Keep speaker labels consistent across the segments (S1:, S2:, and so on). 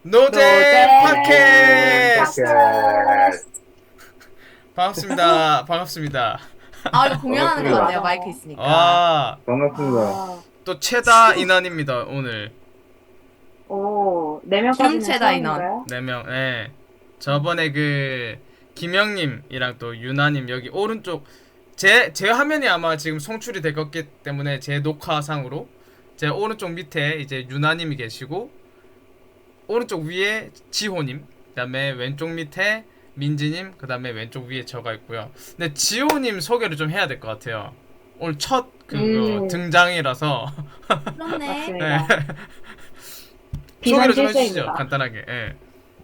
S1: 노제 팟캐스트
S2: 팟캐스트.
S1: 반갑습니다. 반갑습니다.
S3: 아 이거 공연하는 거
S2: 반갑습니다.
S3: 같네요. 마이크 있으니까.
S1: 아,
S2: 반갑습니다.
S1: 또 최다 인원입니다. 오늘
S4: 오, 4명까지는
S3: 최다 인원.
S4: 처음인가요?
S1: 4명. 예. 저번에 그 김영님이랑 또 유나님 여기 오른쪽 제 화면이 아마 지금 송출이 될 거기 때문에 제 녹화상으로 제 오른쪽 밑에 이제 유나님이 계시고 오른쪽 위에 지호님, 그다음에 왼쪽 밑에 민지님, 그다음에 왼쪽 위에 저가 있고요. 근데 지호님 소개를 좀 해야 될 것 같아요. 오늘 첫 등장이라서
S3: 그렇네.
S4: 맞습니다.
S1: 소개를 좀 해주시죠.
S4: 비선실세입니다.
S1: 간단하게. 예.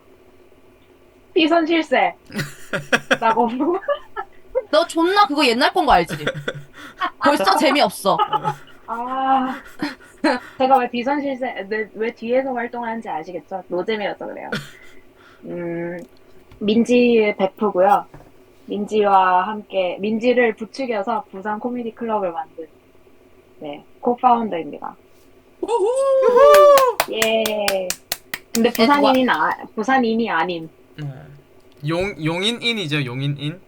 S4: 비선실세. 라고.
S3: 너 존나 그거 옛날 건 거 알지? 벌써 재미없어.
S4: 아, 제가 왜 비선실세, 왜 뒤에서 활동하는지 아시겠죠? 노잼이라서 그래요. 민지의 베프고요. 민지와 함께, 민지를 부추겨서 부산 코미디 클럽을 만든, 네, 코파운더입니다. 예. 근데 부산인이 아님.
S1: 용인인이죠. 용인인.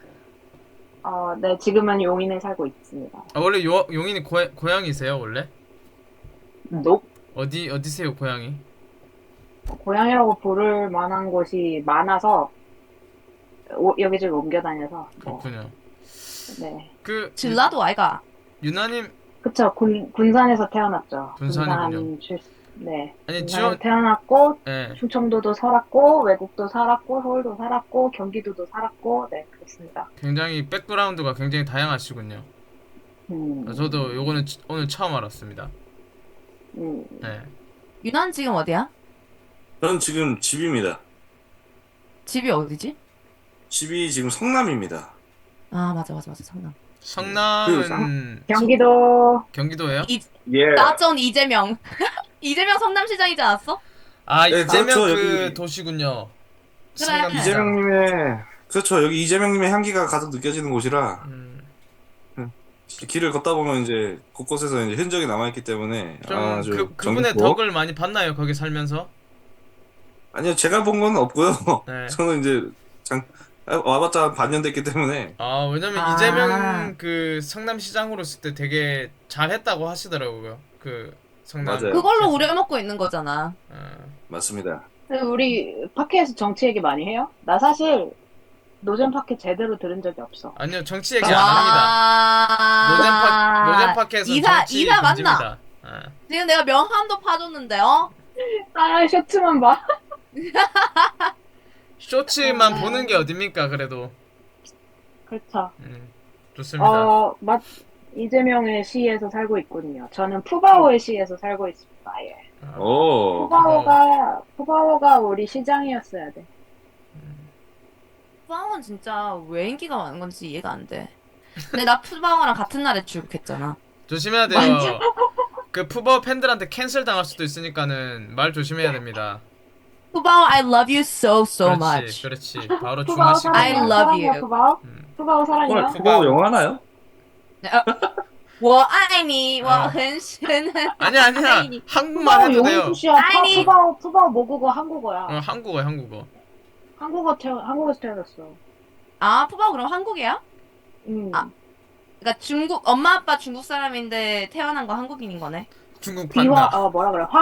S4: 네, 지금은 용인에 살고 있습니다.
S1: 아, 원래 용인이 고향이세요 원래?
S4: 녹?
S1: 어디세요 고향이?
S4: 고향이라고 부를 만한 곳이 많아서 여기저기 옮겨 다녀서
S1: 그렇군요.
S4: 네.
S1: 그
S3: 질라도 아이가.
S1: 유나님.
S4: 그쵸. 군산에서 태어났죠.
S1: 군산이군요.
S4: 네.
S1: 아니
S4: 군산에서 태어났고
S1: 예.
S4: 충청도도 살았고 외국도 살았고 서울도 살았고 경기도도 살았고 네 그렇습니다.
S1: 굉장히 백그라운드가 굉장히 다양하시군요. 저도 요거는 오늘 처음 알았습니다. 네.
S3: 유난 지금 어디야?
S2: 저는 지금 집입니다.
S3: 집이 어디지?
S2: 집이 지금 성남입니다.
S3: 아 맞아 성남.
S1: 성남은 경기도예요?
S2: 예.
S3: 나전 이재명. 이재명 성남시장이지 않았어?
S1: 아,
S2: 네,
S1: 이재명
S2: 그렇죠,
S1: 그
S2: 여기.
S1: 도시군요.
S3: 그래.
S1: 성남시장.
S2: 이재명님의 그렇죠. 여기 이재명님의 향기가 가득 느껴지는 곳이라 길을 걷다 보면 이제 곳곳에서 이제 흔적이 남아있기 때문에
S1: 좀
S2: 아주
S1: 그분의
S2: 정겹고.
S1: 덕을 많이 봤나요? 거기 살면서?
S2: 아니요, 제가 본 건 없고요.
S1: 네.
S2: 저는 이제 와봤자 한 반년 됐기 때문에
S1: 아, 왜냐면 이재명 그 성남시장으로 있을 때 되게 잘했다고 하시더라고요. 그 성남.
S2: 맞아요.
S3: 그걸로 우려먹고 있는 거잖아.
S2: 맞습니다.
S4: 근데 우리 팟캐에서 정치 얘기 많이 해요? 나 사실 노잼 팟캐 제대로 들은 적이 없어.
S1: 아니요, 정치 얘기 안 합니다. 노잼 팟캐에서 정치
S3: 이사 맞나?
S1: 금지입니다.
S3: 지금 내가 명함도 파줬는데
S4: 아 셔츠만 봐.
S1: 쇼츠만 보는 게 어딥니까? 그래도
S4: 그렇죠.
S1: 좋습니다.
S4: 이재명의 시에서 살고 있거든요. 저는 푸바오의 시에서 살고 있습니다. 예.
S2: 오.
S4: 푸바오가 우리 시장이었어야 돼.
S3: 푸바오는 진짜 왜 인기가 많은 건지 이해가 안 돼. 근데 나 푸바오랑 같은 날에 출국했잖아.
S1: 조심해야 돼요. 그 푸버 팬들한테 캔슬 당할 수도 있으니까는 말 조심해야 됩니다.
S3: 푸바오 I love you so much.
S1: 그렇지. 바로
S4: 푸바오
S1: 중화시키고.
S3: I
S4: 사랑해요.
S3: love
S4: 사랑해요,
S3: you.
S4: 푸바오? 푸바오 사랑해요.
S2: 오늘 푸바오 영화 하나요?
S3: 我爱你,我很深
S1: 아니야.
S3: 아니.
S1: 한국말
S4: 푸바오
S1: 해도 돼요.
S4: 용인수시야.
S3: 아니.
S4: 푸바오 모국어 한국어야.
S1: 한국어.
S4: 한국에서 태어났어.
S3: 아 푸바오 그럼 한국이야? 아. 그러니까 중국 엄마 아빠 중국 사람인데 태어난 거 한국인인 거네.
S1: 중국
S4: 비화
S1: 판다.
S4: 뭐라 그래?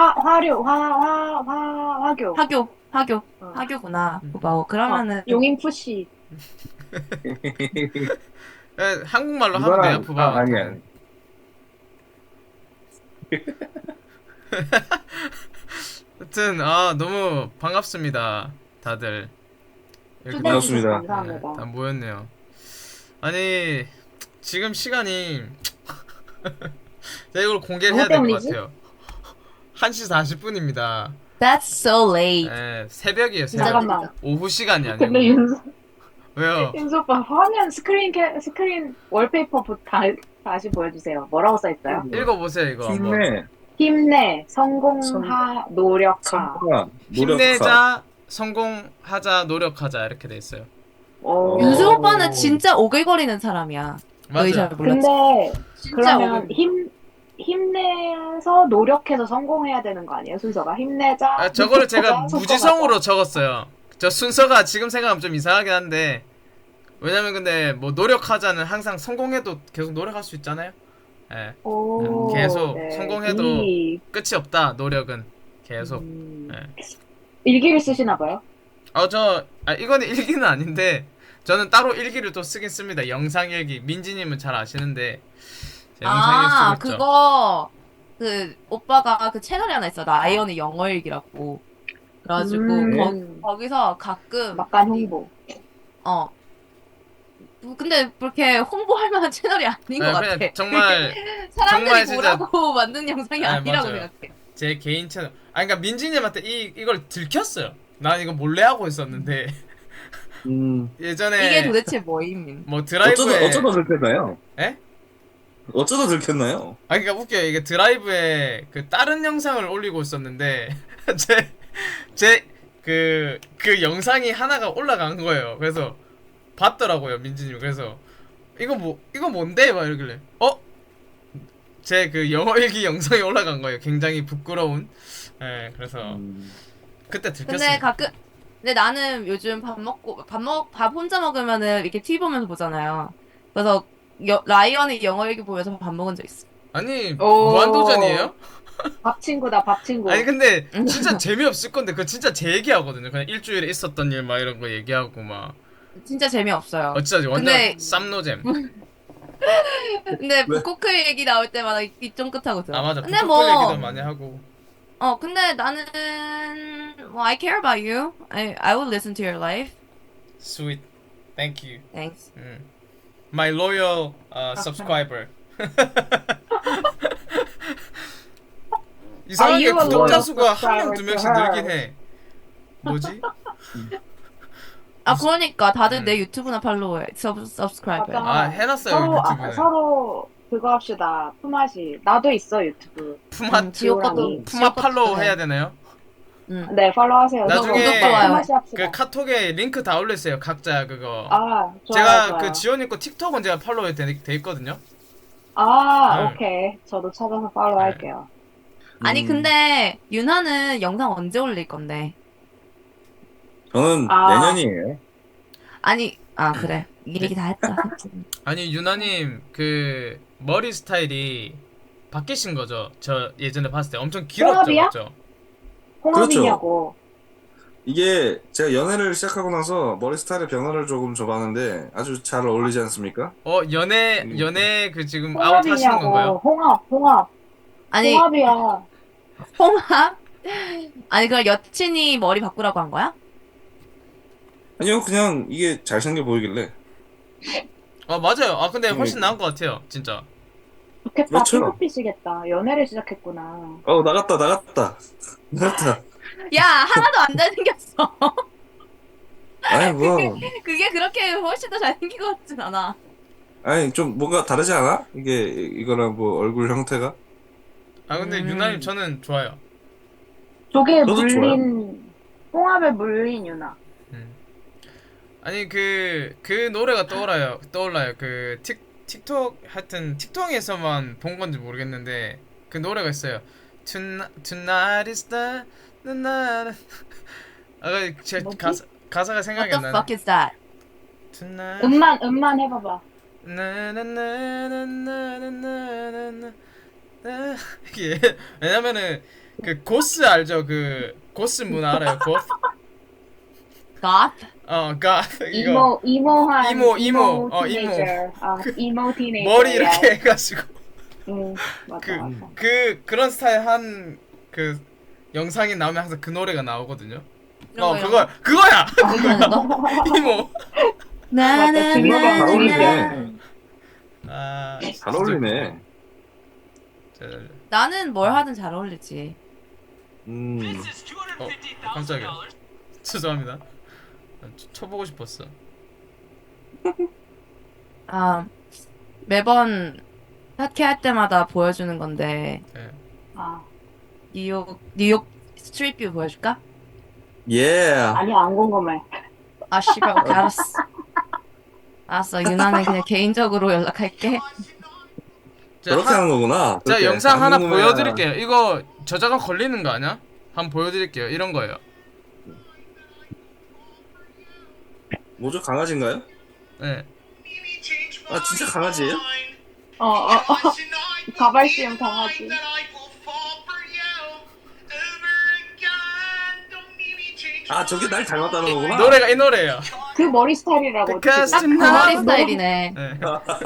S4: 화교.
S3: 화교구나. 푸바오 그러면은
S4: 용인 푸시.
S1: 한국말로 하면 돼요, 푸버.
S2: 아니야.
S1: 하여튼 너무 반갑습니다. 다들. 이렇게
S2: 반갑습니다.
S4: 감사합니다.
S1: 다 모였네요. 아니 지금 시간이 제가 이걸 공개를 해야 될 것
S4: 때문이지?
S1: 같아요. 1시 40분입니다.
S3: That's so late.
S1: 네, 새벽이에요. 새벽.
S4: 잠깐만.
S1: 오후 시간이
S4: 근데
S1: 아니고. 왜요?
S4: 윤수 오빠 화면 스크린 월페이퍼 다시 보여주세요. 뭐라고 써있어요?
S1: 읽어보세요 이거. 한번.
S4: 힘내, 성공하, 노력하.
S1: 힘내자, 성공하자, 노력하자 이렇게 돼 있어요.
S4: 오.
S3: 윤수 오빠는 진짜 오글거리는 사람이야. 너희 잘
S1: 맞아요.
S3: 몰랐지?
S4: 근데
S3: 진짜
S4: 그러면
S3: 오글.
S4: 힘내서 노력해서 성공해야 되는 거 아니에요? 순서가 힘내자.
S1: 아, 저거를 제가
S4: 노력하자,
S1: 무지성으로 적었어요. 저 순서가 지금 생각하면 좀 이상하긴 한데 왜냐면 근데 뭐 노력하자는 항상 성공해도 계속 노력할 수 있잖아요. 예.
S4: 오,
S1: 계속
S4: 네.
S1: 성공해도 끝이 없다. 노력은 계속. 예.
S4: 일기를 쓰시나 봐요.
S1: 이거는 일기는 아닌데 저는 따로 일기를 또 쓰긴 씁니다. 영상 일기. 민지님은 잘 아시는데 제가 영상 일기 쓰고 있죠.
S3: 그거 그 오빠가 그 채널이 하나 있어. 라이언의 영어일기라고. 그래가지고 거기서 가끔
S4: 막간 홍보.
S3: 근데 그렇게 홍보할 만한 채널이 아닌 것 같아.
S1: 그냥 정말
S3: 사람들이
S1: 진짜-
S3: 보라고 만든 영상이 아니라고
S1: 맞아요.
S3: 생각해.
S1: 제 개인 채널. 그러니까 민지님한테 이걸 들켰어요. 난 이거 몰래 하고 있었는데 예전에
S3: 이게 도대체 뭐임?
S1: 뭐 드라이브에
S2: 어쩌다 들켰나요?
S1: 에?
S2: 어쩌다 들켰나요?
S1: 그러니까 웃겨요. 이게 드라이브에 그 다른 영상을 올리고 있었는데 그 영상이 하나가 올라간 거예요. 그래서 봤더라고요, 민지님. 그래서 이거 뭔데? 막 이러길래 제 그 영어 일기 영상이 올라간 거예요. 굉장히 부끄러운. 예, 그래서 그때 들켰어요.
S3: 근데 나는 요즘 밥 혼자 먹으면은 이렇게 TV 보면서 보잖아요. 그래서 라이언의 영어일기 보면서 밥 먹은 적 있어.
S1: 아니
S4: 오.
S1: 무한도전이에요?
S4: 밥 친구다, 밥 친구.
S1: 아니 근데 진짜 재미없을 건데 그거 진짜 제 얘기하거든요. 그냥 일주일에 있었던 일 막 이런 거 얘기하고 막
S3: 진짜 재미없어요.
S1: 진짜 완전
S3: 근데-
S1: 쌈노잼.
S3: 근데
S2: 왜?
S3: 북코크 얘기 나올 때마다 입 쫑긋하고 들어.
S1: 맞아.
S3: 근데
S1: 북토크 얘기도 많이 하고.
S3: 근데 나는 I care about you. I will listen to your life.
S1: Sweet. Thank you.
S3: Thanks.
S1: My loyal subscriber. 이상하게
S4: Are you a
S1: 구독자
S4: loyal
S1: 수가 한 명
S4: subscriber
S1: 두
S4: to
S1: 명씩
S4: her?
S1: 늘긴 해. 뭐지?
S3: 그러니까 다들 내 유튜브나 팔로우해. subscribe.
S4: 맞아.
S1: 아 해놨어요 유튜브에.
S4: 서로 그거 합시다. 품앗이. 나도 있어, 유튜브.
S1: 푸마
S3: 지옥 것도
S4: 지오랑이.
S1: 푸마 팔로우 해야 되나요?
S4: 네, 팔로우하세요.
S1: 나중에
S3: 구독, 좋아요.
S4: 품앗이 합시다.
S1: 그 카톡에 링크 다 올렸어요 각자 그거.
S4: 좋아요,
S1: 제가
S4: 좋아요.
S1: 그 지원님 거 틱톡은 제가 팔로우 돼 있거든요.
S4: 아,
S1: 네.
S4: 오케이. 저도 찾아서 팔로우할게요.
S3: 아니 근데 윤하는 영상 언제 올릴 건데?
S2: 저는
S4: 아.
S2: 내년이에요.
S3: 아니 그래 이 얘기 다 했다.
S1: 아니 유나님 그 머리 스타일이 바뀌신 거죠? 저 예전에 봤을 때 엄청 길었죠,
S4: 홍합이야?
S1: 맞죠?
S4: 홍합이냐고.
S2: 이게 제가 연애를 시작하고 나서 머리 스타일의 변화를 조금 줘봤는데 아주 잘 어울리지 않습니까?
S1: 연애 그 지금 아웃 하시는 건가요?
S4: 홍합이냐고. 홍합.
S3: 아니
S4: 홍합이야.
S3: 홍합? 아니 그걸 여친이 머리 바꾸라고 한 거야?
S2: 아니요, 그냥 이게 잘생겨 보이길래.
S1: 맞아요. 근데 훨씬 나은 것 같아요, 진짜.
S4: 좋겠다.
S2: 그렇죠.
S4: 핑크빛이겠다. 연애를 시작했구나.
S2: 나갔다.
S3: 야 하나도 안 잘생겼어.
S2: 아니, 뭐.
S3: 그게 그렇게 훨씬 더 잘생긴 것 같진 않아.
S2: 아니, 좀 뭔가 다르지 않아? 이거랑 뭐 얼굴 형태가?
S1: 근데 유나님 저는 좋아요.
S4: 조개에
S2: 저도
S4: 물린, 홍합에 물린 유나.
S1: 아니 그 노래가 떠올라요. 그 틱톡 하여튼 틱톡에서만 본 건지 모르겠는데 그 노래가 있어요. Tonight is the night. 제
S4: 뭐지?
S1: 가사가 생각이
S3: What
S1: 안
S3: the
S1: 나네.
S3: fuck is that?
S1: Tonight.
S4: 음만 해봐봐.
S1: 나나나나나나나나나. 이게 왜냐면은 그 고스 알죠? 그 고스 문화 알아요? 고스?
S3: Goth?
S1: goth 이거
S4: 이모한.
S1: 이모.
S4: 티네이저. 이모 티네이저.
S1: 머리 이렇게 해가지고
S4: 맞아, 맞아.
S1: 그런 스타일 한 그 영상이 나오면 항상 그 노래가 나오거든요.
S3: 이런 거,
S1: 그거야.
S3: 이런 거?
S1: 이모.
S4: 맞다,
S2: 이모가 잘 어울리네. 잘
S1: 진짜
S2: 어울리네.
S3: 나는 뭘 하든 잘 어울리지.
S1: 깜짝이야. 죄송합니다. 쳐보고 싶었어.
S3: 매번 핫캐 할 때마다 보여주는 건데
S1: 네.
S3: 뉴욕 스트리트 뷰 보여줄까?
S2: 예.
S4: 아니, 안 궁금해.
S3: 씨발 오케이 알았어. 유나는 그냥 개인적으로 연락할게.
S2: 그렇게 하는 거구나.
S1: 제가
S2: 그렇게.
S1: 영상 하나
S2: 궁금해야-
S1: 보여드릴게요. 이거 저작권 걸리는 거 아니야? 한번 보여드릴게요. 이런 거예요.
S2: 뭐죠? 강아지인가요?
S1: 네.
S2: 아 진짜 강아지예요?
S4: 가발시험 강아지.
S2: 아 저게 날 닮았다는 거구나.
S1: 노래가 이 노래예요.
S4: 그 머리 스타일이라고.
S1: Because
S3: 딱 그
S1: tonight-
S3: 머리 스타일이네.
S1: 네.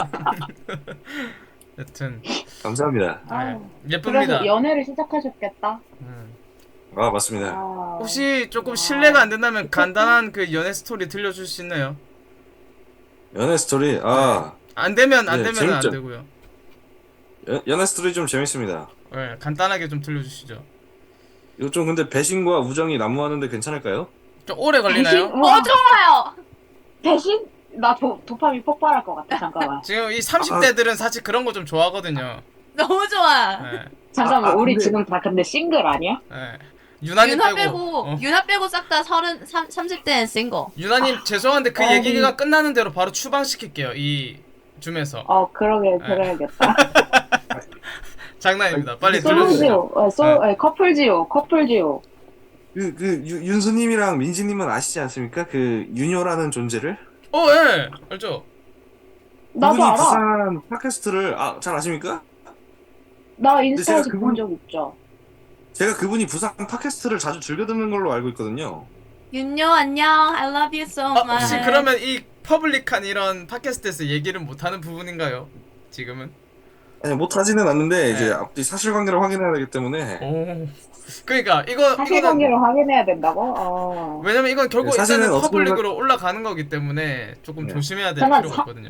S1: 여튼
S2: 감사합니다.
S4: 아,
S1: 예쁩니다.
S4: 그래서 연애를 시작하셨겠다.
S2: 아 맞습니다.
S4: 아,
S1: 혹시 조금 실례가 안 된다면 간단한 그 연애 스토리 들려줄 수 있나요?
S2: 연애 스토리
S1: 안 되면 안
S2: 네,
S1: 되면 안
S2: 재밌죠?
S1: 되고요.
S2: 연애 스토리 좀 재밌습니다.
S1: 네, 간단하게 좀 들려주시죠.
S2: 이거 좀 근데 배신과 우정이 난무하는데 괜찮을까요?
S1: 좀 오래 걸리나요?
S4: 대신? 와,
S3: 좋아요.
S4: 대신? 나 도파민 폭발할 것 같아. 잠깐만.
S1: 지금 이 30대들은 사실 그런 거 좀 좋아하거든요.
S3: 너무 좋아.
S1: 네,
S4: 잠깐만, 우리
S2: 근데-
S4: 지금 다 근데 싱글 아니야?
S1: 네. 유나님
S3: 유나
S1: 빼고.
S3: 빼고 유나 빼고 싹 다 30대는 싱글.
S1: 유나님 죄송한데 그
S4: 아니.
S1: 얘기가 끝나는 대로 바로 추방시킬게요. 이 줌에서.
S4: 그러게, 그래야겠다.
S1: 장난입니다. 빨리 들려주세요.
S4: 솔로지요, 커플지요, 커플지요.
S2: 윤수님이랑 민지님은 아시지 않습니까? 그 윤효라는 존재를
S1: 예, 알죠.
S4: 나도
S2: 그분이
S4: 알아.
S2: 부산 팟캐스트를 잘 아십니까?
S4: 나 인스타에서
S2: 제가
S4: 본 적 있죠.
S2: 제가 그분이 부산 팟캐스트를 자주 즐겨 듣는 걸로 알고 있거든요.
S3: 윤요 안녕. I love you so much.
S1: 혹시 그러면 이 퍼블릭한 이런 팟캐스트에서 얘기를 못하는 부분인가요? 지금은?
S2: 아니 못하지는 않는데 이제
S1: 네.
S2: 앞뒤 사실관계를 확인해야 되기 때문에
S1: 오. 그러니까 이거는
S4: 사실관계를 확인해야 된다고?
S1: 왜냐면 이건 결국
S2: 네, 사실은
S1: 일단은
S2: 어떻게
S1: 퍼블릭으로 올라가는 거기 때문에 조금
S2: 네.
S1: 조심해야 될
S4: 잠깐,
S1: 필요가 있거든요.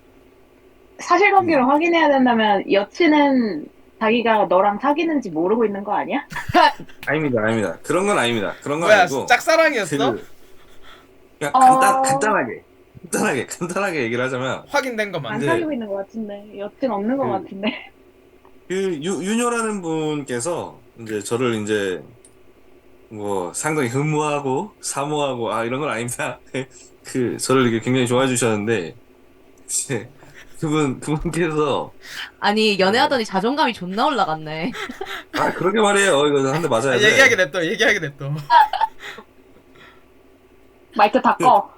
S4: 사실관계를 확인해야 된다면 여친은 자기가 너랑 사귀는지 모르고 있는 거 아니야?
S2: 아닙니다. 그런 건 아닙니다. 그런 건
S1: 뭐야,
S2: 아니고
S1: 짝사랑이었어?
S2: 그냥
S4: 어.
S2: 간단하게 얘기를 하자면
S1: 확인된
S4: 안
S1: 것만.
S2: 네.
S4: 사귀고 있는 것 같은데 여친 없는 것
S2: 그-
S4: 같은데.
S2: 그 윤효라는 분께서 이제 저를 이제 뭐 상당히 흠모하고 사모하고 이런 건 아닙니다. 그 저를 이렇게 굉장히 좋아해 주셨는데 이제 그분께서
S3: 아니 연애하더니 자존감이 존나 올라갔네.
S2: 그렇게 말해요. 이거 한 대 맞아야 돼.
S1: 얘기하게 냅둬.
S4: 마이크 다 꺼.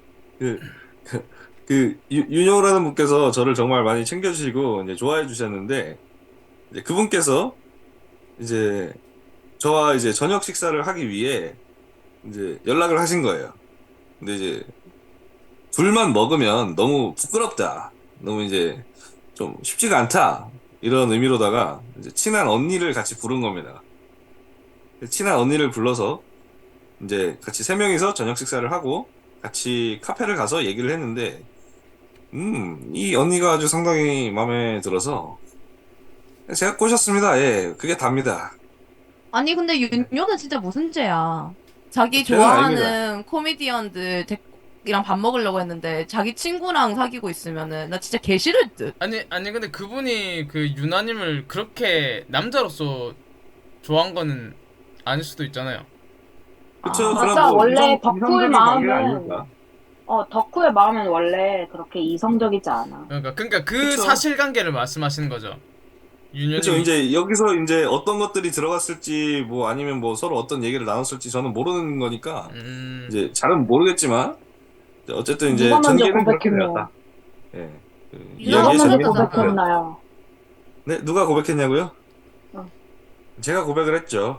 S2: 윤효라는 분께서 저를 정말 많이 챙겨주시고 이제 좋아해 주셨는데 이제 그분께서 이제 저와 이제 저녁 식사를 하기 위해 이제 연락을 하신 거예요. 근데 이제 둘만 먹으면 너무 부끄럽다. 너무 이제 좀 쉽지가 않다. 이런 의미로다가 이제 친한 언니를 같이 부른 겁니다. 친한 언니를 불러서 이제 같이 세 명이서 저녁 식사를 하고 같이 카페를 가서 얘기를 했는데 이 언니가 아주 상당히 마음에 들어서 제가 꼬셨습니다. 예, 그게 답니다.
S3: 아니 근데 윤요는 진짜 무슨 죄야. 자기
S2: 죄는
S3: 좋아하는 코미디언들 이랑 밥 먹으려고 했는데 자기 친구랑 사귀고 있으면은 나 진짜 개 싫을 듯.
S1: 아니 근데 그분이 그 유나님을 그렇게 남자로서 좋아한 거는 아닐 수도 있잖아요.
S2: 그쵸?
S4: 맞아.
S2: 그런 뭐
S4: 원래
S2: 이성-
S4: 덕후의
S2: 이성적인 관계가
S4: 마음은
S2: 아니니까.
S4: 덕후의 마음은 원래 그렇게 이성적이지 않아.
S1: 그러니까 그
S2: 그쵸.
S1: 사실관계를 말씀하시는 거죠. 윤현이.
S2: 그렇죠. 이제 여기서 이제 어떤 것들이 들어갔을지 뭐 아니면 뭐 서로 어떤 얘기를 나눴을지 저는 모르는 거니까 이제 잘은 모르겠지만 어쨌든 이제
S4: 누가 먼저
S2: 전개는 그렇게
S4: 고백했나요?
S2: 되었다. 예. 그
S3: 누가
S2: 이야기의
S3: 먼저
S2: 전개는
S3: 고백했나요?
S2: 그렇게 되었다.
S4: 고백했나요?
S2: 네, 누가 고백했냐고요?
S4: 어.
S2: 제가 고백을 했죠.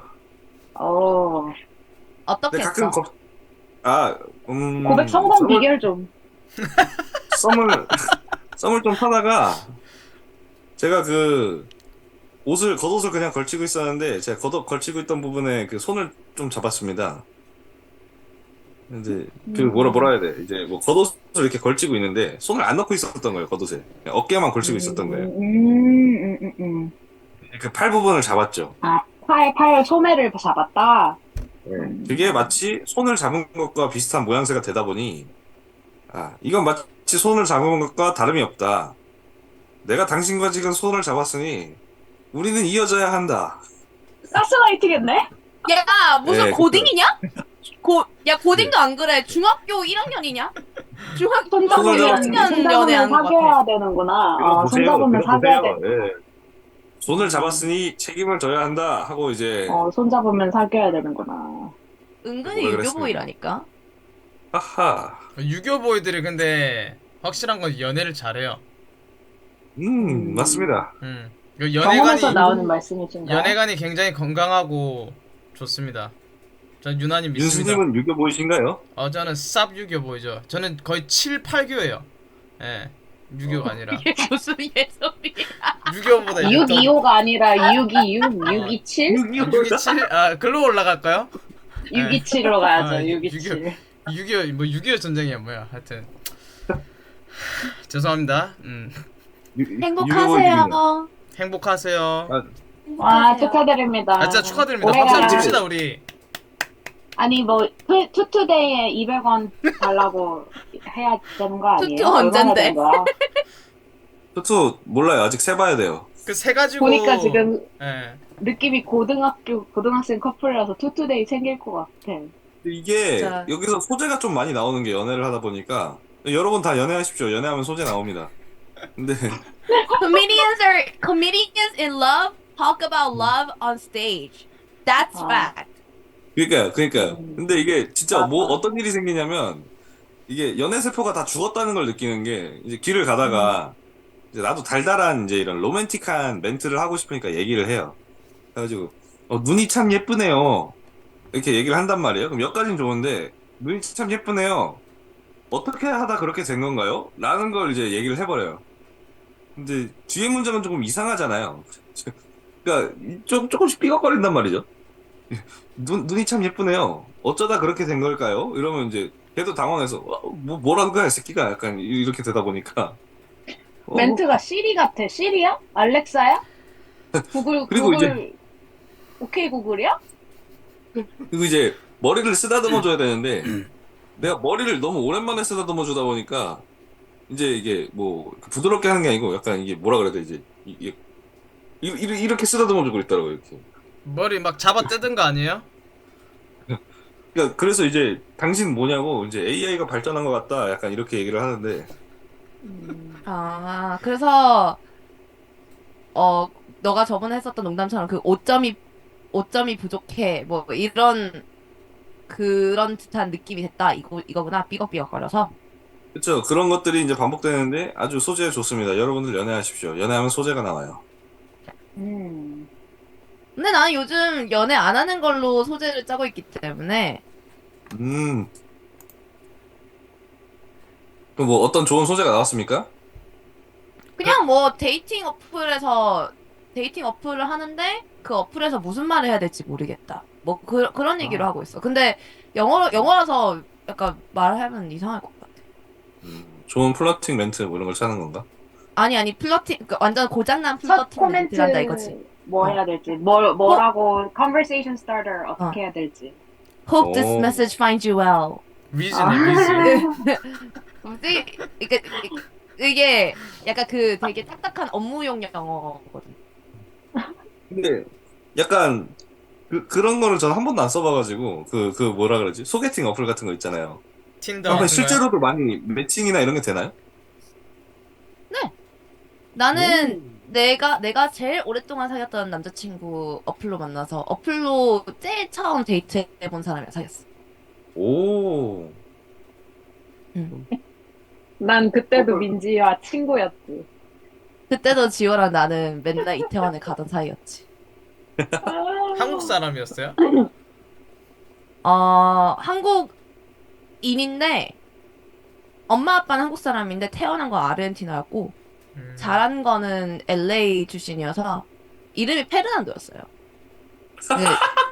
S3: 어떻게
S2: 근데 가끔
S3: 했어?
S4: 고백 성공
S2: 썸을-
S4: 비결 좀.
S2: 썸을 좀 타다가 제가 그 겉옷을 그냥 걸치고 있었는데 제가 걸치고 있던 부분에 그 손을 좀 잡았습니다. 이제 그 뭐라 해야 돼? 이제 뭐 겉옷을 이렇게 걸치고 있는데 손을 안 넣고 있었던 거예요. 겉옷에 그냥 어깨만 걸치고 있었던 거예요. 그 팔 부분을 잡았죠.
S4: 팔 소매를 잡았다.
S2: 그게 마치 손을 잡은 것과 비슷한 모양새가 되다 보니 이건 마치 손을 잡은 것과 다름이 없다. 내가 당신과 지금 손을 잡았으니 우리는 이어져야 한다.
S4: 가스라이팅했네?
S3: 야 무슨
S2: 예,
S3: 고딩이냐? 고딩도 안 그래. 중학교 1학년이냐? 중학교
S4: 손잡으면,
S2: 손을
S3: 1학년 연애한 것 같아.
S4: 사귀어야 되는구나.
S2: 이거
S4: 아,
S2: 보세요.
S4: 손잡으면
S2: 이거
S4: 사귀어야
S2: 보세요.
S4: 돼.
S2: 예. 손을 잡았으니 책임을 져야 한다 하고 이제
S4: 손잡으면 사귀어야 되는구나.
S3: 은근히
S2: 뭐라
S3: 유교보이라니까.
S2: 하하.
S1: 유교 보이들이 근데 확실한 건 연애를 잘해요.
S2: 맞습니다.
S1: 그
S4: 경험에서
S1: 연애관이
S4: 나오는 말씀이신가요?
S1: 연애관이 굉장히 건강하고 좋습니다. 전 유난히 믿습니다.
S2: 윤수님은 유교 보이신가요?
S1: 저는 쌉 유교 보이죠. 저는 거의 7, 8교예요. 예. 유교가 아니라
S3: 이게 무슨 예술이야.
S1: 유교보다
S4: 625가 아니라 626, 627?
S1: 627? 글로 올라갈까요?
S4: 627로 가야죠,
S1: 아,
S4: 627.
S1: 6.25 전쟁이야 뭐야. 하여튼 죄송합니다.
S3: 행복하세요.
S1: 행복하세요.
S4: 와, 축하드립니다.
S1: 진짜 축하드립니다.
S4: 올해가-
S1: 박수 한번 칩시다 우리.
S4: 아니, 뭐, 투투데이에 200원 달라고 해야 되는 거 아니에요?
S3: 투투 언젠데?
S4: 얼마나 된 거야?
S2: 투투 몰라요. 아직 세봐야 돼요.
S1: 그 세 가지고
S4: 보니까 지금
S1: 예.
S4: 느낌이 고등학생 커플이라서 투투데이 챙길 것 같아.
S2: 근데 이게
S3: 진짜.
S2: 여기서 소재가 좀 많이 나오는 게 연애를 하다 보니까 여러분 다 연애하십시오. 연애하면 소재 나옵니다. 근데
S3: Comedians in love talk about love on stage. That's
S4: 아.
S3: fact.
S2: 그러니까 근데 이게 진짜 뭐
S4: 맞아.
S2: 어떤 일이 생기냐면 이게 연애 세포가 다 죽었다는 걸 느끼는 게 이제 길을 가다가 이제 나도 달달한 이제 이런 로맨틱한 멘트를 하고 싶으니까 얘기를 해요. 그래가지고 눈이 참 예쁘네요. 이렇게 얘기를 한단 말이에요. 그럼 여기까지는 좋은데 눈이 참 예쁘네요. 어떻게 하다 그렇게 된 건가요? 라는 걸 이제 얘기를 해버려요. 근데 뒤에 문장은 조금 이상하잖아요. 그러니까 조금씩 삐걱거린단 말이죠. 눈이 참 예쁘네요. 어쩌다 그렇게 된 걸까요? 이러면 이제 걔도 당황해서 뭐라는 거야 이 새끼가 약간 이렇게 되다 보니까
S4: 멘트가 시리 같아. 시리야? 알렉사야?
S2: 그리고
S4: 오케이 구글이야?
S2: 그리고 이제 머리를 쓰다듬어 줘야 되는데 내가 머리를 너무 오랜만에 쓰다듬어 주다 보니까 이제 이게 뭐 부드럽게 하는 게 아니고 약간 이게 뭐라 그래야 되지? 이게 이렇게 쓰다듬어 주고 있더라고요. 이렇게.
S1: 머리 막 잡아 뜯은 거 아니에요?
S2: 그러니까 그래서 이제 당신 뭐냐고 이제 AI가 발전한 것 같다 약간 이렇게 얘기를 하는데
S3: 그래서 너가 저번에 했었던 농담처럼 그 5점이 부족해. 뭐 이런 그런 듯한 느낌이 됐다. 이거구나. 삐걱삐걱거려서.
S2: 그렇죠. 그런 것들이 이제 반복되는데 아주 소재 좋습니다. 여러분들 연애하십시오. 연애하면 소재가 나와요.
S3: 근데 나는 요즘 연애 안 하는 걸로 소재를 짜고 있기 때문에
S2: 그럼 뭐 어떤 좋은 소재가 나왔습니까?
S3: 그냥 뭐 데이팅 어플을 하는데 그 어플에서 무슨 말을 해야 될지 모르겠다. 뭐 그런 얘기를 하고 있어. 근데 영어라서 약간 말하면 이상할 것 같아.
S2: 좋은 플러팅 멘트 뭐 이런 걸 찾는 건가?
S3: 아니 플러팅 그러니까 완전 고장난
S4: 첫
S3: 플러팅
S4: 코멘트
S3: 멘트를 한다 이거지.
S4: 뭐 해야 될지, 뭐라고 conversation starter 어떻게 해야 될지.
S3: Hope this
S2: 오.
S3: message finds you well.
S1: 위즈네 위즈.
S3: 이게 약간 그 되게 딱딱한 업무용 영어거든.
S2: 근데 약간 그런 거를 전 한 번도 안 써봐가지고 그 뭐라 그러지? 소개팅 어플 같은 거 있잖아요.
S1: 틴더
S2: 약간
S1: 같은 거요?
S2: 실제로도 많이 매칭이나 이런 게 되나요?
S3: 나는 내가 제일 오랫동안 사귀었던 남자친구 어플로 만나서 어플로 제일 처음 데이트 해본 사람이랑 사귀었어.
S2: 오.
S4: 난 그때도 민지와 친구였지.
S3: 그때도 지호랑 나는 맨날 이태원에 가던 사이였지.
S1: 한국 사람이었어요?
S3: 한국인인데 엄마 아빠는 한국 사람인데 태어난 건 아르헨티나였고 자란 거는 LA 출신이어서 이름이 페르난도였어요. 네,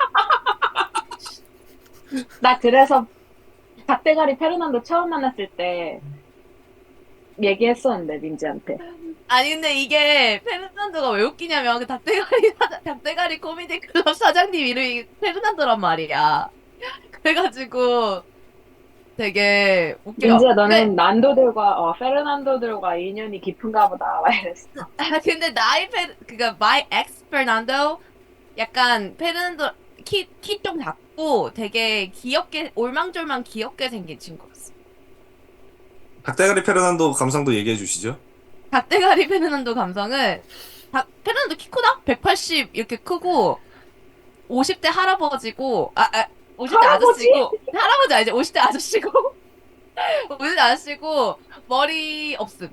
S4: 나 그래서 닭대가리 페르난도 처음 만났을 때 얘기했었는데, 민지한테.
S3: 아니 근데 이게 페르난도가 왜 웃기냐면 그 닭대가리 코미디 클럽 사장님 이름이 페르난도란 말이야. 그래가지고 되게 웃겨.
S4: 민지야, 너는 페르난도들과 인연이 깊은가 보다. 막 이랬어.
S3: 근데 나의 그니까 my ex 페르난도 약간 페르난도 키 좀 작고 되게 귀엽게 올망졸망 귀엽게 생긴 친구였어.
S2: 닭대가리 페르난도 감상도 얘기해 주시죠.
S3: 닭대가리 페르난도 감성은 페르난도 키 크다? 180 이렇게 크고 50대 할아버지고 50대
S4: 할아버지?
S3: 아저씨고 할아버지 아니지 50대 아저씨고 50대 아저씨고 머리 없음.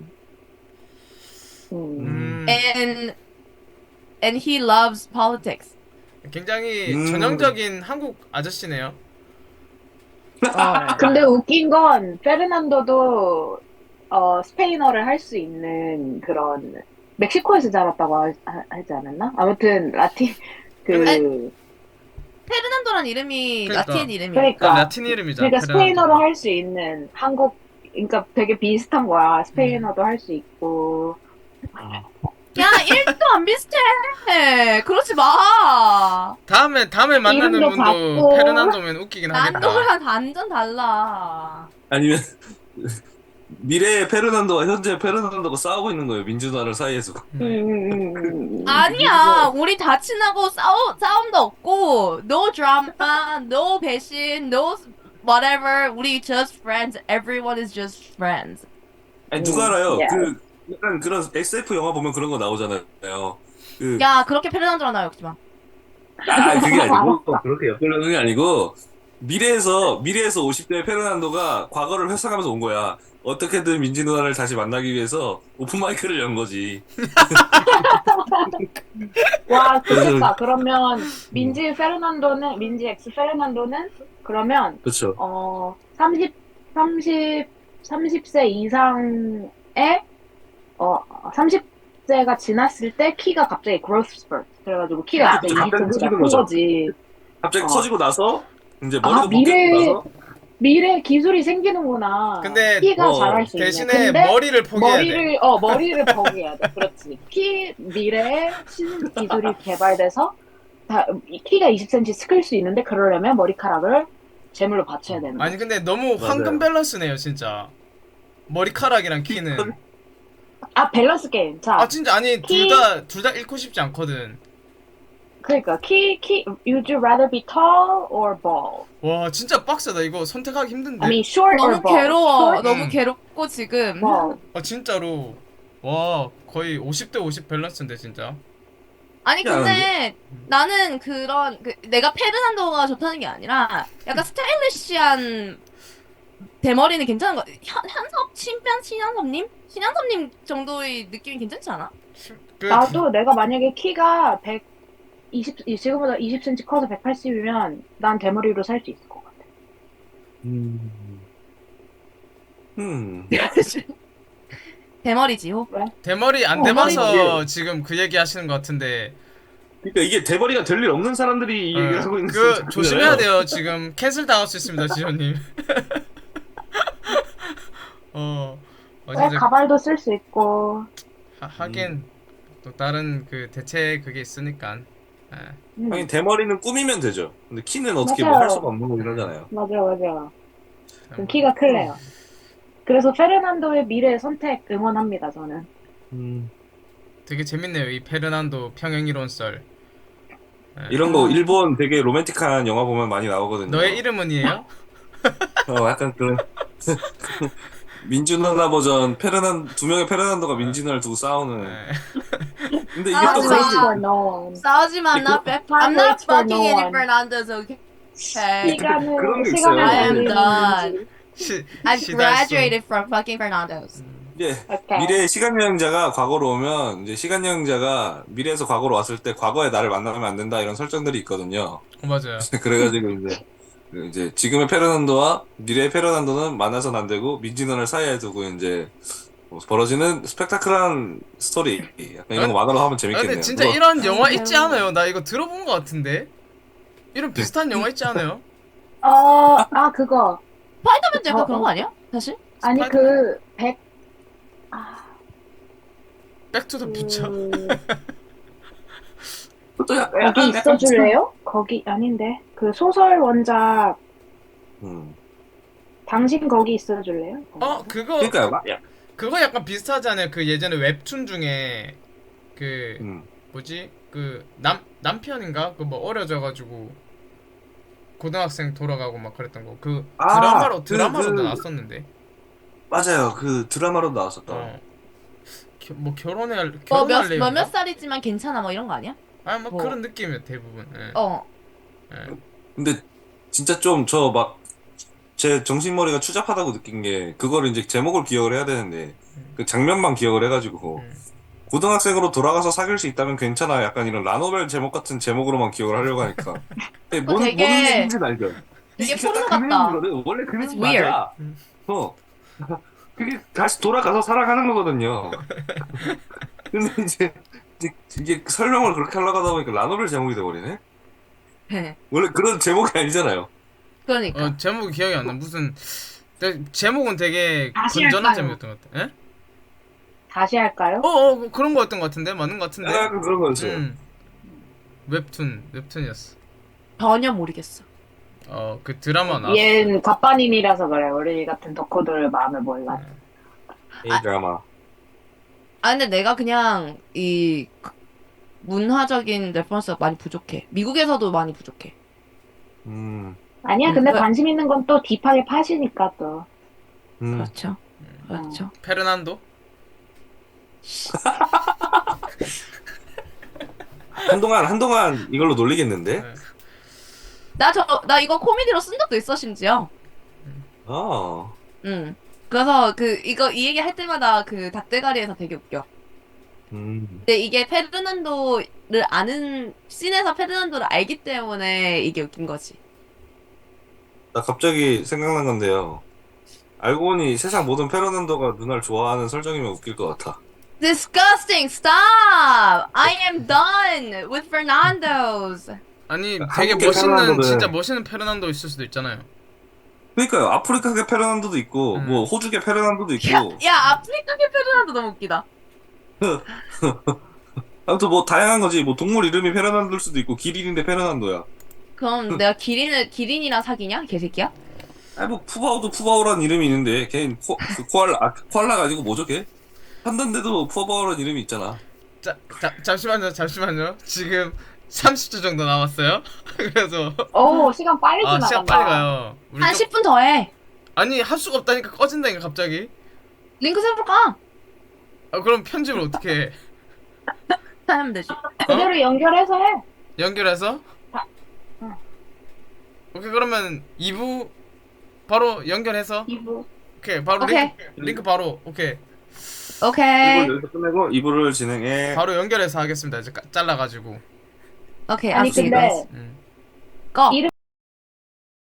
S4: 음.
S3: And he loves politics.
S1: 굉장히
S2: 음.
S1: 전형적인 한국 아저씨네요.
S4: 근데 웃긴 건 페르난도도 스페인어를 할 수 있는 그런 멕시코에서 자랐다고 하지 않았나? 아무튼 라틴 그
S3: 페르난도란 이름이
S1: 그러니까.
S3: 라틴 이름이야.
S4: 그러니까
S1: 라틴 이름이죠.
S4: 그러니까
S1: 페르난도.
S4: 스페인어로 할 수 있는 한국 그러니까 되게 비슷한 거야. 스페인어도 할 수 있고.
S3: 야, 1도 안 비슷해. 그러지 마.
S1: 다음에 만나는
S4: 이름도
S1: 분도
S4: 같고.
S1: 페르난도면 웃기긴 하겠다.
S3: 난도랑 완전 달라.
S2: 아니면 미래의 페르난도와 현재 페르난도가 싸우고 있는 거예요. 민주당을 사이에서.
S3: 아니야, 우리 다 친하고 싸움도 없고, no drama, no 배신, no whatever. 우리 just friends. Everyone is just friends.
S2: 아니 누가 알아요?
S4: 예.
S2: 그 약간 그런 SF 영화 보면 그런 거 나오잖아요. 그
S3: 야, 그렇게 페르난도랑 나 욕지 마.
S2: 그게 아니고 그렇게 엮으려는 게 아니고 미래에서 50대 페르난도가 과거를 회상하면서 온 거야. 어떻게든 민지 누나를 다시 만나기 위해서 오픈 마이크를 연 거지.
S4: 와, 좋겠다. 그러면 민지 엑스 페르난도는 그러면
S2: 그렇죠.
S4: 30세 이상의 30세가 지났을 때 키가 갑자기 growth spurt. 그래가지고 키가 갑자기
S2: 갑자기
S4: 2cm가
S2: 커지는
S4: 큰
S2: 거죠.
S4: 거지.
S2: 갑자기
S4: 어.
S2: 커지고 나서 이제
S4: 아,
S2: 머리도 벗기고 나서
S4: 미래 기술이 생기는구나.
S1: 근데
S4: 키가 자랄 수 있네.
S1: 대신에
S4: 근데
S1: 머리를 포기해야 돼.
S4: 머리를 포기해야 돼. 그렇지. 미래에 신기술이 개발돼서 키가 20cm 클 수 있는데 그러려면 머리카락을 제물로 바쳐야 되는 거야.
S1: 아니 근데 너무 황금 밸런스네요 진짜. 머리카락이랑 키는.
S4: 밸런스 게임. 자,
S1: 아 진짜 아니
S4: 키-
S1: 둘 다 잃고 싶지 않거든.
S4: 그러니까 would you rather be tall or bald?
S1: 와 진짜 빡세다 이거 선택하기 힘든데.
S4: I mean short or
S3: 너무
S4: bald?
S3: 괴로워.
S4: Short,
S3: 너무 괴롭고 지금.
S4: bald.
S1: 아 진짜로. 와 거의 50대 50 밸런스인데 진짜.
S3: 아니 근데 나는 내가 페르난도가 좋다는 게 아니라 약간 스타일리시한 대머리는 괜찮은 거. 신현섭님 정도의 느낌이 괜찮지 않아?
S1: 그
S4: 나도 내가 만약에 키가 지금보다 20cm 커서 180이면 난 대머리로 살 수 있을 것 같아.
S3: 대머리지요.
S1: 대머리 안
S4: 어,
S1: 돼봐서
S2: 머리지.
S1: 지금 그 얘기 하시는 것 같은데.
S2: 그러니까 이게 대머리가 될 일 없는 사람들이 이 얘기를 하고 있는
S1: 그
S2: 거잖아요.
S1: 조심해야 돼요. 지금 캔슬 당할 수 있습니다, 지현님. 진짜
S4: 가발도 쓸 수 있고.
S1: 하긴 또 다른 그 대체 그게 있으니까. 예.
S2: 아니 대머리는 꾸미면 되죠. 근데 키는 어떻게
S4: 맞아요.
S2: 뭐 할 수가 없는 거긴 하잖아요.
S4: 맞아. 그럼 키가 클래요. 그래서 페르난도의 미래 선택 응원합니다, 저는.
S1: 되게 재밌네요. 이 페르난도 평행이론 썰. 예.
S2: 이런 거 일본 되게 로맨틱한 영화 보면 많이 나오거든요.
S1: 너의 이름은이에요?
S2: 약간 그런 민주 누나 버전 두 명의 페르난도가 민지 누나를 두고 싸우는.
S1: 예.
S2: 근데 이게
S3: 아,
S2: 또
S3: 하지
S2: 그런
S3: 마.
S2: 게
S4: for no one.
S3: 싸우지 마. I'm not fucking any Fernandez. Okay.
S2: 그런 게
S4: 시간을
S2: 있어요.
S3: I am
S4: 돌리는
S3: done.
S4: 민지.
S3: I've
S1: 시달소.
S3: graduated from fucking Fernandez.
S2: 이제
S4: 오케이.
S2: 미래의 시간 여행자가 과거로 오면 이제 시간 여행자가 미래에서 과거로 왔을 때 과거의 나를 만나면 안 된다 이런 설정들이 있거든요.
S1: 맞아요.
S2: 그래가지고 이제 지금의 페르난도와 미래의 페르난도는 만나서는 안 되고 민지 누나를 사이에 두고 이제 벌어지는 스펙타클한 스토리 약간 이런 거 만화로 하면
S1: 아,
S2: 재밌겠네요.
S1: 근데 진짜
S2: 그거
S1: 이런 영화 있지 않아요? 나 이거 들어본 것 같은데. 이런 비슷한 영화 있지 않아요?
S4: 그거.
S3: 스파이더맨도 약간 그런 거 아니야? 사실?
S4: 아니,
S1: 백투더 퓨처.
S2: 그것도
S4: 거기 있어줄래요? 거기, 아닌데. 그 소설 원작, 당신 거기 있어줄래요?
S1: 그거 약간 비슷하잖아요. 그 예전에 웹툰 중에 그 뭐지? 그 남편인가? 그 뭐 어려져가지고 고등학생 돌아가고 막 그랬던 거. 그
S2: 아,
S1: 드라마로도
S2: 그-
S1: 나왔었는데.
S2: 맞아요. 그 드라마로 나왔었다.
S1: 뭐 결혼할
S3: 몇
S1: 내용인가?
S3: 살이지만 괜찮아 뭐 이런 거 아니야?
S1: 아니 뭐
S3: 뭐.
S1: 그런 느낌이에요 대부분. 예.
S3: 어.
S1: 예.
S2: 근데 진짜 좀 저 막 제 정신머리가 추잡하다고 느낀 게 그거를 이제 제목을 기억을 해야 되는데 그 장면만 기억을 해가지고
S1: 음.
S2: 고등학생으로 돌아가서 사귈 수 있다면 괜찮아. 약간 이런 라노벨 제목 같은 제목으로만 기억을 하려고 하니까. 근데
S3: 그거
S2: 뭔
S3: 되게-
S2: 얘기인지는 알죠.
S3: 되게
S2: 이게 딱
S3: 포르노
S2: 그
S3: 같다.
S2: 내용이거든. 원래 그
S3: It's
S2: 내용 맞아.
S1: 음.
S2: 어. 그게 다시 돌아가서 살아가는 거거든요. 근데 이게 설명을 그렇게 하려고 하다 보니까 라노벨 제목이 돼버리네? 원래 그런 제목이 아니잖아요.
S3: 그러니까.
S1: 제목이 기억이 안 나. 무슨 제목은 되게
S4: 다시
S1: 건전한
S4: 할까요?
S1: 제목이었던 것 같아. 예?
S4: 다시 할까요?
S1: 그런 거였던 것 같은데 맞는 것 같은데.
S2: 약간 그런 거였어요.
S1: 웹툰이었어.
S3: 전혀 모르겠어.
S1: 그 드라마 나왔어.
S4: 얘는 갑반인이라서 그래. 우리 같은 덕후들 마음을 몰라.
S2: 이 드라마.
S3: 아 근데 내가 그냥 이 문화적인 레퍼런스가 많이 부족해. 미국에서도 많이 부족해.
S4: 아니야, 근데
S3: 왜?
S4: 관심 있는 건 또 딥하게 파시니까 또.
S3: 그렇죠. 그렇죠.
S1: 페르난도?
S2: 한동안 이걸로 놀리겠는데?
S1: 네.
S3: 나 이거 코미디로 쓴 적도 있어 심지어.
S2: 어.
S3: 응. 그래서 이 얘기 할 때마다 그 닭대가리에서 되게 웃겨. 근데 이게 페르난도를 아는 씬에서 페르난도를 알기 때문에 이게 웃긴 거지.
S2: 나 갑자기 생각난 건데요. 알고 보니 세상 모든 페르난도가 누나를 좋아하는 설정이면 웃길 것 같아.
S3: Disgusting! Stop! I am done with Fernando's.
S1: 아니 되게
S2: 한국계
S1: 멋있는
S2: 페르난도는-
S1: 진짜 멋있는 페르난도 있을 수도 있잖아요.
S2: 그러니까요. 아프리카계 페르난도도 있고,
S1: 음.
S2: 뭐 호주계 페르난도도
S3: 야,
S2: 있고,
S3: 야 아프리카계 페르난도 너무 웃기다.
S2: 아무튼 뭐 다양한 거지. 뭐 동물 이름이 페르난도일 수도 있고, 기린인데 페르난도야.
S3: 그럼 내가 기린이랑 사귀냐? 개새끼야?
S2: 아니 뭐 푸바오도 푸바오라는 이름이 있는데, 걔는 코알라 가지고 뭐죠 걔? 한단데도 푸바오라는 이름이 있잖아.
S1: 잠시만요. 지금 30초 정도 남았어요. 그래서
S4: 오, 시간 빨리 지나간다.
S1: 시간 빨리 가요. 우리
S3: 한
S1: 좀-
S3: 10분 더 해.
S1: 아니 할 수가 없다니까 꺼진다니까 갑자기.
S3: 링크 세볼까?
S1: 그럼 편집을 어떻게 해?
S3: 하면 되지.
S4: 그대로 연결해서 해.
S1: 연결해서?
S4: 응.
S1: 오케이 그러면 2부 바로 연결해서
S4: 이부.
S1: 오케이 바로
S3: 오케이.
S1: 링크 바로 오케이
S3: 오케이.
S2: 1부를 여기서 끝내고 2부를 진행해.
S1: 바로 연결해서 하겠습니다. 이제 잘라가지고.
S3: 오케이.
S4: 아니,
S3: I'll see you
S4: 근데
S3: guys.
S1: 음.
S3: Go.
S4: 이름